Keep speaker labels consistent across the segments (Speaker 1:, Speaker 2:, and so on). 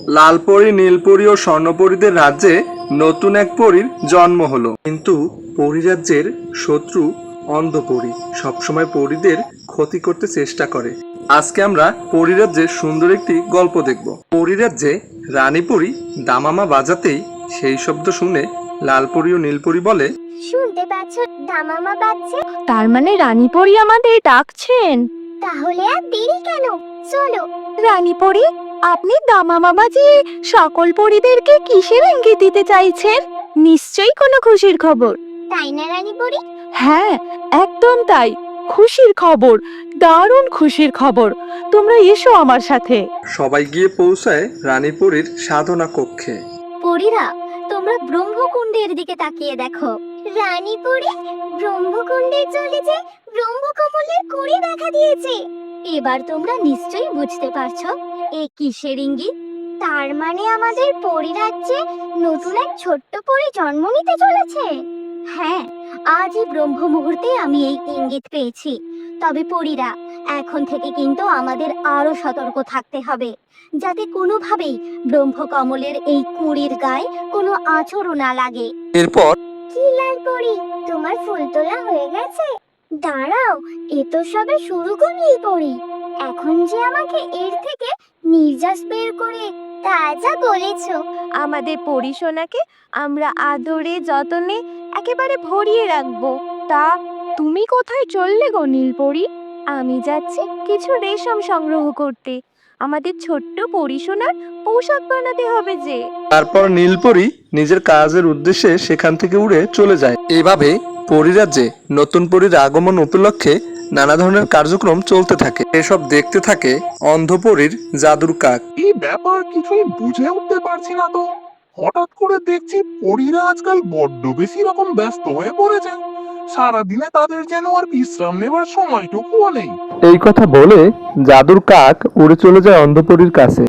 Speaker 1: লালপরি, নীলপরি ও স্বর্ণপরীদের রাজ্যে নতুন এক পরীর জন্ম হলো। কিন্তু পরিরাজ্যের শত্রু অন্ধপরী সবসময় পরীদের ক্ষতি করতে চেষ্টা করে। আজকে আমরা পরিরাজ্যের সুন্দর একটি গল্প দেখব। পরিরাজ্যে রানীপরি দামামা বাজাতেই সেই শব্দ শুনে লালপরি ও নীলপরি বলে,
Speaker 2: শুনতে পাচ্ছ দামামা বাজছে?
Speaker 3: তার মানে রানীপরি আমাদের ডাকছেন।
Speaker 2: তাহলে আর দেরি কেন, চলো।
Speaker 3: রানীপরি, আপনি দামামা বাজিয়ে সকল পরিদেরকে কিসের ইঙ্গিত দিতে চাইছেন? নিশ্চয়ই কোনো খুশির খবর।
Speaker 2: তাই না রানী পরি?
Speaker 3: হ্যাঁ, একদম তাই। খুশির খবর, দারুণ খুশির খবর। তোমরা এসো আমার সাথে।
Speaker 1: সবাই গিয়ে পৌঁছায় রানীপরির সাধনা কক্ষে।
Speaker 2: পরীরা, তোমরা ব্রহ্মকুণ্ডের দিকে তাকিয়ে দেখো। রানী পরি, ব্রহ্মকুণ্ডের জলে যে ব্রহ্মকমলের কুঁড়ি দেখা দিয়েছে। এবার তোমরা নিশ্চয়ই বুঝতে পারছো এ কিসের ইঙ্গিত। তার মানে আমাদের পরিরাজ্যে নতুন এক ছোট্ট পরি জন্ম নিতে চলেছে। হ্যাঁ, আজই ব্রহ্ম মুহূর্তে আমি এই ইঙ্গিত পেয়েছি। তবে পরীরা, এখন থেকে কিন্তু আমাদের আরো সতর্ক থাকতে হবে, যাতে কোনোভাবেই ব্রহ্মকমলের এই কুঁড়ির গায়ে কোনো আঁচড়ও না লাগে।
Speaker 1: এরপর
Speaker 2: কি লালপরি, তোমার ফুল তোলা হয়ে গেছে? দাঁড়াও, এ তো সবে শুরু করলেই পরি। এখন যে আমাকে এর থেকে নির্যাস বের করে তা যা বলেছো।
Speaker 3: আমাদের পরিসোনাকে আমরা আদরে যতনে একেবারে ভরিয়ে রাখবো। তা তুমি কোথায় চললে গো নীলপরি? আমি যাচ্ছি কিছু রেশম সংগ্রহ করতে। আমাদের ছোট্ট পরিসোনার পোশাক বানাতে হবে যে।
Speaker 1: তারপর নীলপরি নিজের কাজের উদ্দেশ্যে সেখান থেকে উড়ে চলে যায়। এভাবে পরিরাজ্যে নতুন পরীর আগমন উপলক্ষে নানা ধরনের কার্যক্রম চলতে থাকে। এসব দেখতে থাকে অন্ধপরীর জাদুর কাক।
Speaker 4: এই ব্যাপার কিছুই বুঝে উঠতে পারছি না তো। হঠাৎ করে দেখছি পরীরা আজকাল বড্ড বেশি রকম ব্যস্ত হয়ে পড়েছে। সারাদিনে তাদের যেন আর বিশ্রাম নেবার সময়টুকুও নেই।
Speaker 1: এই কথা বলে জাদুর কাক উড়ে চলে যায় অন্ধপরীর কাছে।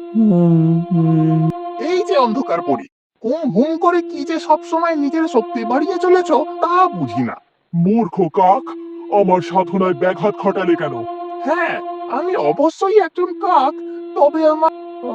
Speaker 4: এই যে অন্ধকার পরী, হুম হুম করে কি যে সব সময় নিজের শক্তি বাড়িয়ে চলেছ তা বুঝি না। মূর্খ কাক, আমার সাধনায় ব্যাঘাত ঘটালে কেন? হ্যাঁ, আমি অবশ্যই একজন কাক, তবে আমার
Speaker 5: ও,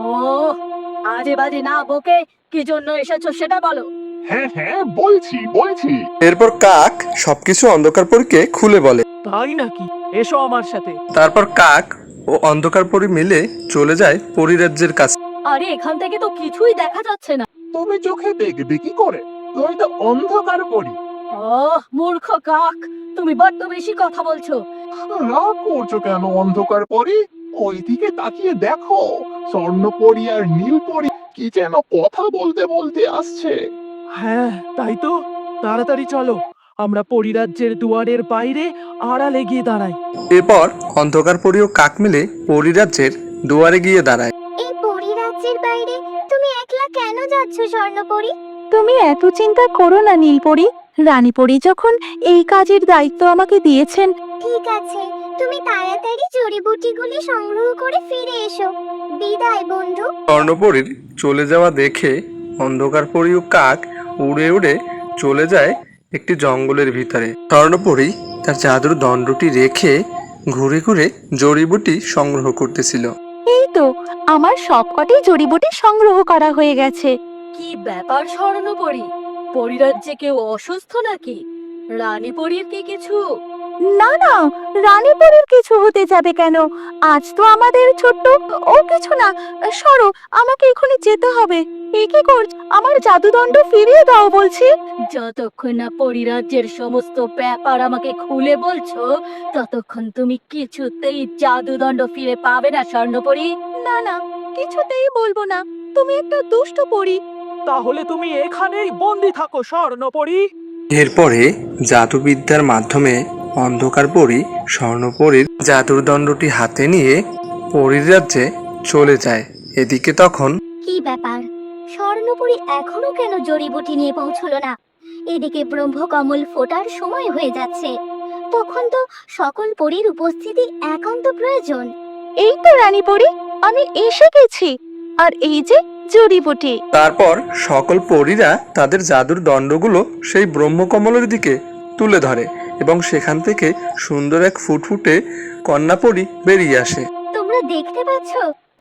Speaker 5: আজে বাজে না বকে কি জন্য এসেছো সেটা বলো।
Speaker 4: হ্যাঁ হ্যাঁ বলছি বলছি।
Speaker 1: এরপর কাক সবকিছু অন্ধকার পরীকে খুলে বলে।
Speaker 5: তাই নাকি? এসো আমার সাথে।
Speaker 1: তারপর কাক ও অন্ধকার পরী মিলে চলে যায় পরিরাজ্যের কাছে।
Speaker 5: আরে এখান থেকে তো কিছুই দেখা যাচ্ছে না।
Speaker 4: তুমি চোখে দেখবে কি করে? তুমি তো অন্ধকার পরী।
Speaker 5: ও মূর্খ কাক, তুমি বড্ড বেশি কথা বলছো।
Speaker 4: রাগ করছো কেন অন্ধকার পরী? ওই দিকে তাকিয়ে দেখো, স্বর্ণ পরী আর নীল পরী কি যেন কথা বলতে বলতে আসছে।
Speaker 6: হ্যাঁ, তাই তো। তাড়াতাড়ি চলো, আমরা পরিরাজ্যের দুয়ারের বাইরে আড়ালে গিয়ে দাঁড়াই।
Speaker 1: এরপর অন্ধকার পরী ও কাক মিলে পরিরাজ্যের দুয়ারে গিয়ে দাঁড়ায়।
Speaker 2: এই পরিরাজ্যের বাইরে তুমি একলা কেন যাচ্ছ স্বর্ণপরি?
Speaker 3: তুমি এত চিন্তা করো না নীলপরি। রানীপরি যখন এই কাজের দায়িত্ব আমাকে দিয়েছেন।
Speaker 2: ঠিক আছে, তুমি তাড়াতাড়ি জড়িবুটিগুলি সংগ্রহ করে ফিরে এসো। বিদায় বন্ধু।
Speaker 1: স্বর্ণপরীর চলে যাওয়া দেখে অন্ধকার পরী ও কাক উড়ে উড়ে চলে যায় একটি জঙ্গলের ভিতরে। স্বর্ণপরী তার জাদুর দণ্ডটি রেখে ঘুরে ঘুরে জড়িবুটি সংগ্রহ করতেছিল।
Speaker 3: এই তো আমার সবকটি জড়িবুটি সংগ্রহ করা হয়ে গেছে।
Speaker 5: কি ব্যাপার স্বর্ণপরী, পরিরাজ্যে কেউ অসুস্থ নাকি? রানী পরীর কি কিছু?
Speaker 3: না না, রানীপুরীর কিছু হতে যাবে কেন? আজ তো আমাদের ছোট্ট ও কিছু না। সরো, আমাকে এখনই যেতে হবে। এ কি করছ? আমার জাদুদণ্ড ফিরিয়ে দাও বলছি।
Speaker 5: যতক্ষণ না পরিরাজ্যের সমস্ত ব্যাপার আমাকে খুলে বলছো, ততক্ষণ তুমি কিছুতেই জাদুদণ্ড ফিরে পাবে না স্বর্ণপরী।
Speaker 3: না না, কিছুতেই বলবো না। তুমি একটা দুষ্ট পরী।
Speaker 6: তাহলে তুমি এখানেই বন্দি থাকো স্বর্ণপরী।
Speaker 1: এরপরে জাদুবিদ্যার মাধ্যমে অন্ধকার পরী স্বর্ণপরীর জাদুর দণ্ডটি হাতে নিয়ে পরিরাজ্যে চলে যায়। এদিকে তখন
Speaker 2: কি ব্যাপার, স্বর্ণপরি এখনো কেন জড়িবুটি নিয়ে পৌঁছলো না? এদিকে ব্রহ্মকমল ফোটার সময় হয়ে যাচ্ছে। তখন তো সকল পরীর উপস্থিতি একান্ত প্রয়োজন।
Speaker 3: এই তো রানীপরি, আমি এসে গেছি। আর এই যে জড়িবুটি।
Speaker 1: তারপর সকল পরীরা তাদের জাদুর দণ্ডগুলো সেই ব্রহ্মকমলের দিকে তুলে ধরে এবং সেখান থেকে সুন্দর এক ফুটফুটে কন্যাপরী বেরিয়ে আসে।
Speaker 2: তোমরা দেখতে পাচ্ছ,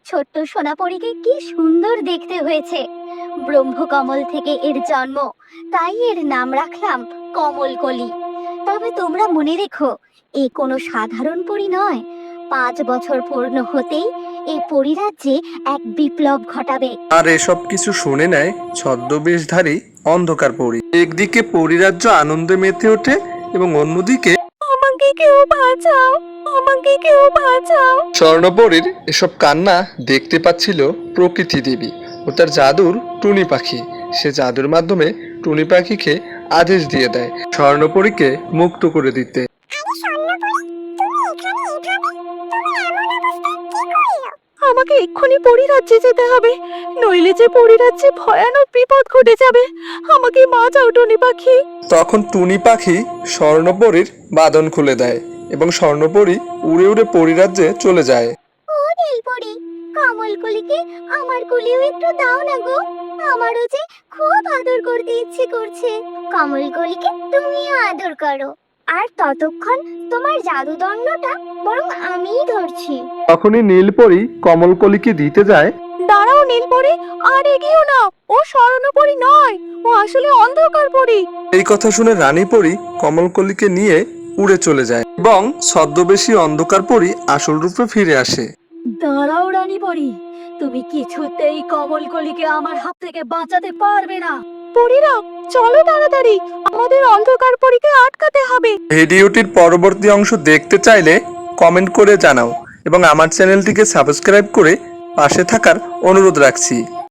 Speaker 2: ছোট্ট সোনাপরীকে কি সুন্দর দেখতে হয়েছে। ব্রহ্মকমল থেকে এর জন্ম, তাই এর নাম রাখলাম কমলকলি। তবে তোমরা মনে রেখো, এ কোনো সাধারণ পরী নয়। 5 বছর পূর্ণ হতেই এই পরীরাজ্যে এক বিপ্লব ঘটাবে।
Speaker 1: আর এসব কিছু শুনে নেয় ছদ্মবেশধারী অন্ধকার পরী। একদিকে পরীরাজ্য আনন্দে মেতে ওঠে এবং অন্যদিকে
Speaker 3: আমাকে কেউ বাঁচাও, আমাকে কেউ বাঁচাও।
Speaker 1: স্বর্ণপরীর এসব কান্না দেখতে পাচ্ছিল প্রকৃতি দেবী ও তার জাদুর টুনি পাখি। সে জাদুর মাধ্যমে টুনি পাখিকে আদেশ দিয়ে দেয় স্বর্ণপরীকে মুক্ত করে দিতে।
Speaker 3: আমাকে এক্ষুনি পরিরাজ্যে যেতে হবে, নইলে যে পরিরাজ্যে ভয়ানক বিপদ ঘটে যাবে। আমাকে বাঁচাও টুনি পাখি।
Speaker 1: তখন টুনি পাখি স্বর্ণপরীর বাঁধন খুলে দেয় এবং স্বর্ণপরী উড়ে উড়ে পরীরাজ্যে চলে যায়।
Speaker 2: ও নীলপরি, কমলকলিকে আমার কোলেও একটু দাও না গো। আমারও যে খুব আদর করতে ইচ্ছে করছে। কমলকলিকে তুমিও আদর করো, আর ততক্ষণ তোমার জাদুদণ্ডটা বরং আমিই ধরছি।
Speaker 1: তখনই নীলপরি কমলকলিকে দিতে যায়।
Speaker 3: দাঁড়াও নীলপরি, আর এগিয়েও না। ও স্বর্ণপরি নয়, ও আসলে অন্ধকার পরি।
Speaker 1: এই কথা শুনে রানীপরি কমলকলিকে নিয়ে উড়ে চলে যায় এবং ছদ্মবেশী অন্ধকার পরী আসল রূপে ফিরে আসে।
Speaker 5: দাঁড়াও রানী পরি, তুমি কিছুতেই কমলকলিকে আমার হাত থেকে বাঁচাতে পারবে না।
Speaker 3: পরীরা, চলো তাড়াতাড়ি, আমাদের অন্ধকার পরীকে আটকাতে হবে।
Speaker 1: ভিডিওটির পরবর্তী অংশ দেখতে চাইলে কমেন্ট করে জানাও এবং আমার চ্যানেলটিকে সাবস্ক্রাইব করে পাশে থাকার অনুরোধ রাখছি।